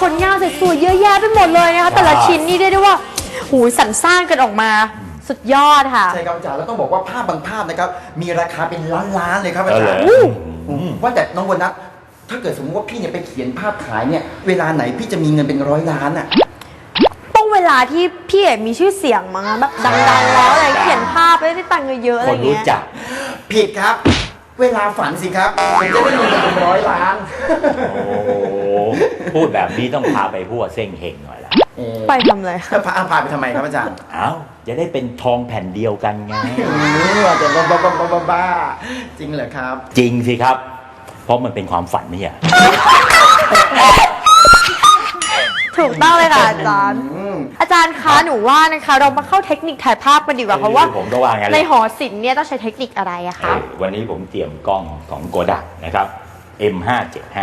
ลงานสวยๆเยอะแยะไปหมดเลยนะคะแต่ละชิ้นนี่ได้ว่าหูสรรสร้างกันออกมาสุดยอดค่ะใช่ครับอาจารย์แล้วต้องบอกว่าภาพบางภาพนะครับมีราคาเป็นล้านๆเลยครับอาจารย์ว่าแต่น้องวันนะถ้าเกิดสมมติว่าพี่เนี่ยไปเขียนภาพขายเนี่ยเวลาไหนพี่จะมีเงินเป็น100 ล้านอ่ะต้องเวลาที่พี่มีชื่อเสียงมั้งแบบดังๆแล้วอะไรเขียนภาพได้ตังค์เยอะๆอะไรเงี้ยผิดครับเวลาฝันสิครับผมจะได้เงินเป็น100 ล้านโอ้พูดแบบนี้ต้องพาไปพวกเส้งเฮงหน่อยละไปทำอะไรพาไปทำไมครับอาจารย์อ้าวจะได้เป็นทองแผ่นเดียวกันไงอาจารย์บ้าจริงเหรอครับจริงสิครับเพราะมันเป็นความฝันนี่อะถูกต้องเลยค่ะอาจารย์อาจารย์คะหนูว่านะคะเรามาเข้าเทคนิคถ่ายภาพกันดีกว่าเพราะว่าในหอศิลป์เนี่ยต้องใช้เทคนิคอะไรอะคะวันนี้ผมเตรียมกล้องของโกดักนะครับ M575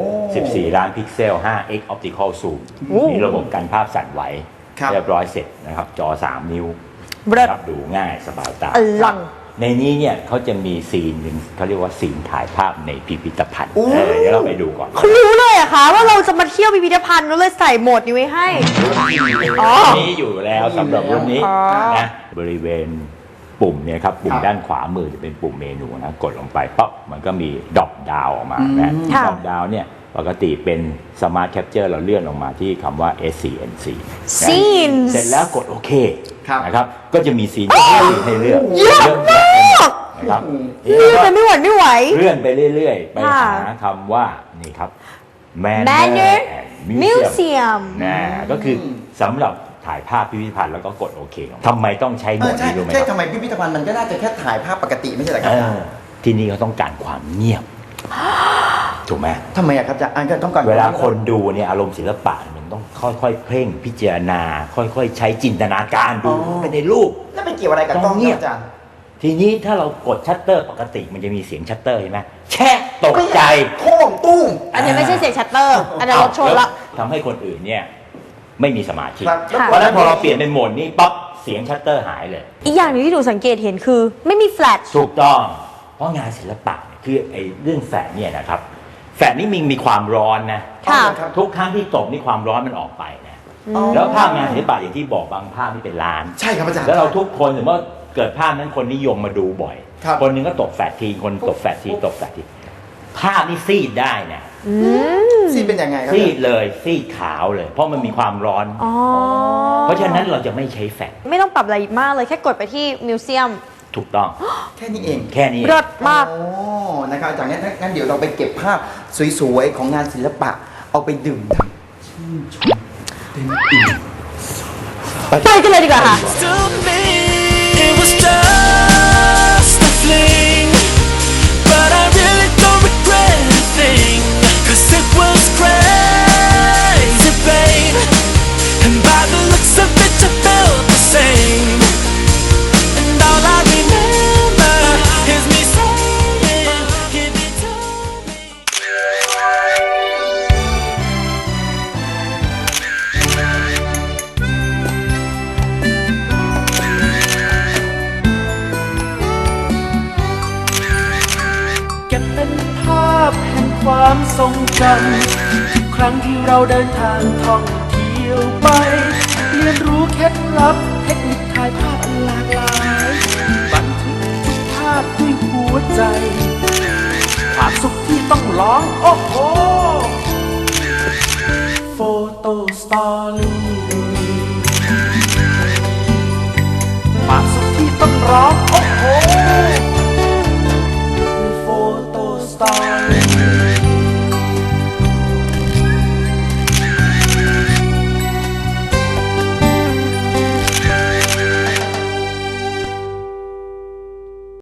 14 ล้านพิกเซล 5x Optical Zoom มีระบบกันภาพสั่นไหวเรียบร้อยเสร็จนะครับจอ3 นิ้วรับดูง่ายสบายตาในนี้เนี่ยเขาจะมีซีนหนึ่งเขาเรียกว่าซีนถ่ายภาพในพิพิธภัณฑ์เดี๋ยวเราไปดูก่อนเขารู้เลยอะคะว่าเราจะมาเที่ยวพิพิธภัณฑ์เราเลยใส่โหมดนี้ไว้ให้นี้อยู่แล้วสำหรับรุ่นนี้นะบริเวณปุ่มเนี่ยครับปุ่มด้านขวามือจะเป็นปุ่มเมนูนะกดลงไปปั๊บมันก็มีดรอปดาวออกมานะดรอปดาวเนี่ยปกติเป็นสมาร์ทแคปเจอร์เราเลื่อนลงมาที่คำว่า SCNC เสร็จแล้วกดโอเคนะครับก็จะมีซีนให้เลือกเยอะมากนะครับเลื่อนไปไม่ไหวเลื่อนไปเรื่อยๆไปหาคำว่านี่ครับ Manner Museum นะก็คือสำหรับถ่ายภาพพิพิธภัณฑ์แล้วก็กดโอเคทำไมต้องใช้โหมดนี้รู้ไหมใช่ทำไมพิพิธภัณฑ์มันก็น่าจะแค่ถ่ายภาพปกติไม่ใช่เหรอครับที่นี่เขาต้องการความเงียบถูกไหมทำไมอะครับอาจารย์ต้องการเวลาคนดูเนี่ยอารมณ์ศิลปะมันต้องค่อยๆเพ่งพิจารณาค่อยๆใช้จินตนาการดูไปในรูปแล้วเป็นเกี่ยวอะไรกับกล้องเนี่ยอาจารย์ทีนี้ถ้าเรากดชัตเตอร์ปกติมันจะมีเสียงชัตเตอร์ใช่ไหมแช่ตกใจโค้งตุ้มอันนี้ไม่ใช่เสียงชัตเตอร์อันนี้รถชนละทำให้คนอื่นเนี่ยไม่มีสมาธิเพราะฉะนั้นพอเราเปลี่ยนเป็นโหมดนี้ปั๊บเสียงชัตเตอร์หายเลยอีกอย่างนึงที่หนูสังเกตเห็นคือไม่มีแฟลชถูกต้องเพราะงานศิลปะคือไอ้เรื่องแฟลชเนี่ยนะครับแฟลชนี่มีความร้อนนะทุกครั้งที่ตกนี่ความร้อนมันออกไปนะแล้วภาพงานศิลปะอย่างที่บอกบางภาพนี่เป็นล้านใช่ครับอาจารย์แล้วเราทุกคนถือว่าเกิดภาพนั้นคนนิยมมาดูบ่อยคนนึงก็ตกแฟลชทีคนตกแฟลชทีตกแฟลชทีภาพนี่ซีดได้นะซีดเป็นยังไงครับซีดเลยซีดขาวเลยเพราะมันมีความร้อนเพราะฉะนั้นเราจะไม่ใช้แฟลชไม่ต้องปรับอะไรมากเลยแค่กดไปที่มิวเซียมถูกต้องแค่นี้เองแค่นี้เลิศมากนะครับอาจารย์งั้นเดี๋ยวเราไปเก็บภาพสวยๆของงานศิลปะเอาไปดื่มด่ำชื่นชมเต็มอิ่มไปกันเลยดีกว่าค่ะความทรงจำทุกครั้งที่เราเดินทางท่องเที่ยวไปเรียนรู้เคล็ดลับเทคนิคถ่ายภาพหลากหลายบันทึกทุกภาพด้วยหัวใจความสุขที่ต้องร้องโอ้โหโฟโต้สตอรี่